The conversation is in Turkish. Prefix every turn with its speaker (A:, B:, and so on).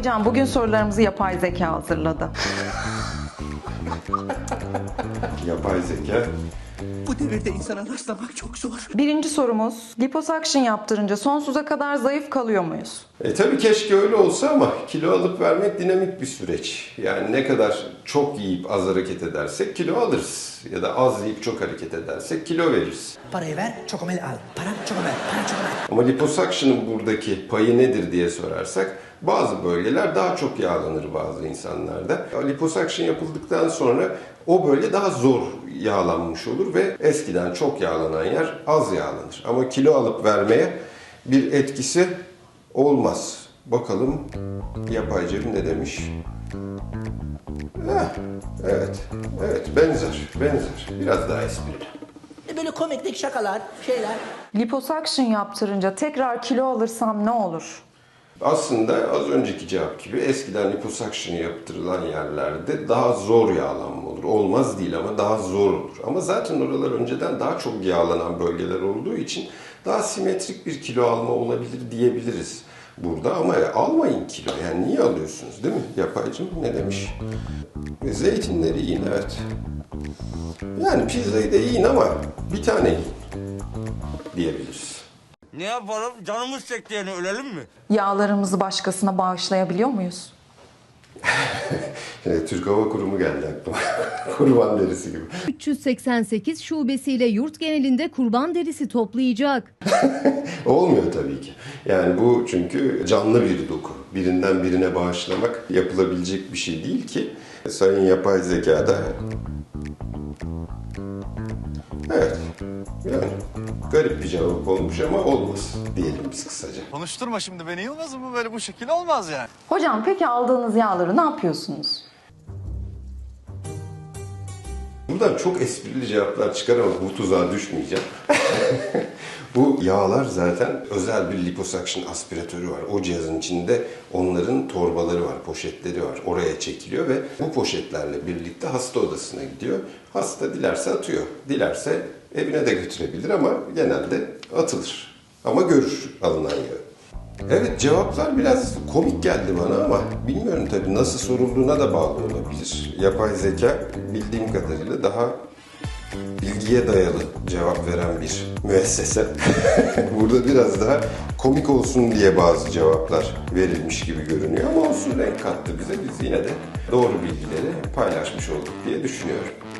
A: Hocam bugün sorularımızı yapay zeka hazırladı.
B: Yapay zeka.
C: Bu devirde insana rastlamak çok zor.
A: Birinci sorumuz, liposuction yaptırınca sonsuza kadar zayıf kalıyor muyuz?
B: Tabii keşke öyle olsa ama kilo alıp vermek dinamik bir süreç. Yani ne kadar çok yiyip az hareket edersek kilo alırız. Ya da az yiyip çok hareket edersek kilo veririz.
C: Parayı ver, çokomel al. Para çokomel, para çokomel.
B: Ama liposuction'ın buradaki payı nedir diye sorarsak bazı bölgeler daha çok yağlanır bazı insanlarda. Liposuction yapıldıktan sonra o bölge daha zor yağlanmış olur ve eskiden çok yağlanan yer az yağlanır. Ama kilo alıp vermeye bir etkisi olmaz. Bakalım yapay cep ne demiş? Evet, benzer. Biraz daha esprili.
C: Böyle komiklik şakalar, şeyler.
A: Liposuction yaptırınca tekrar kilo alırsam ne olur?
B: Aslında az önceki cevap gibi eskiden liposuction yaptırılan yerlerde daha zor yağlanma olur. Olmaz değil ama daha zor olur. Ama zaten oralar önceden daha çok yağlanan bölgeler olduğu için daha simetrik bir kilo alma olabilir diyebiliriz burada. Ama almayın kilo. Yani niye alıyorsunuz değil mi? Yapaycım ne demiş? Zeytinleri yiyin, evet. Yani pizzayı da yiyin ama bir tane yiyin diyebiliriz.
D: Ne yapalım? Canımız çekti yani, ölelim mi?
A: Yağlarımızı başkasına bağışlayabiliyor muyuz?
B: Türk Hava Kurumu geldi aklıma. Kurban derisi gibi.
E: 388 şubesiyle yurt genelinde kurban derisi toplayacak.
B: Olmuyor tabii ki. Yani bu çünkü canlı bir doku. Birinden birine bağışlamak yapılabilecek bir şey değil ki. Sayın yapay zekada... Evet. Yani garip bir cevap olmuş ama olmaz diyelim biz kısaca.
F: Konuşturma şimdi beni Yılmaz'ım, bu böyle bu şekilde olmaz yani.
A: Hocam peki aldığınız yağları ne yapıyorsunuz?
B: Buradan çok esprili cevaplar çıkar ama bu tuzağa düşmeyeceğim. Bu yağlar zaten özel bir liposuction aspiratörü var. O cihazın içinde onların torbaları var, poşetleri var. Oraya çekiliyor ve bu poşetlerle birlikte hasta odasına gidiyor. Hasta dilerse atıyor, dilerse evine de götürebilir ama genelde atılır. Ama görür alınan yağı. Evet, cevaplar biraz komik geldi bana ama bilmiyorum tabii nasıl sorulduğuna da bağlı olabilir. Yapay zeka bildiğim kadarıyla daha bilgiye dayalı cevap veren bir müessese. Burada biraz daha komik olsun diye bazı cevaplar verilmiş gibi görünüyor ama olsun, renk kattı bize. Biz yine de doğru bilgileri paylaşmış olduk diye düşünüyorum.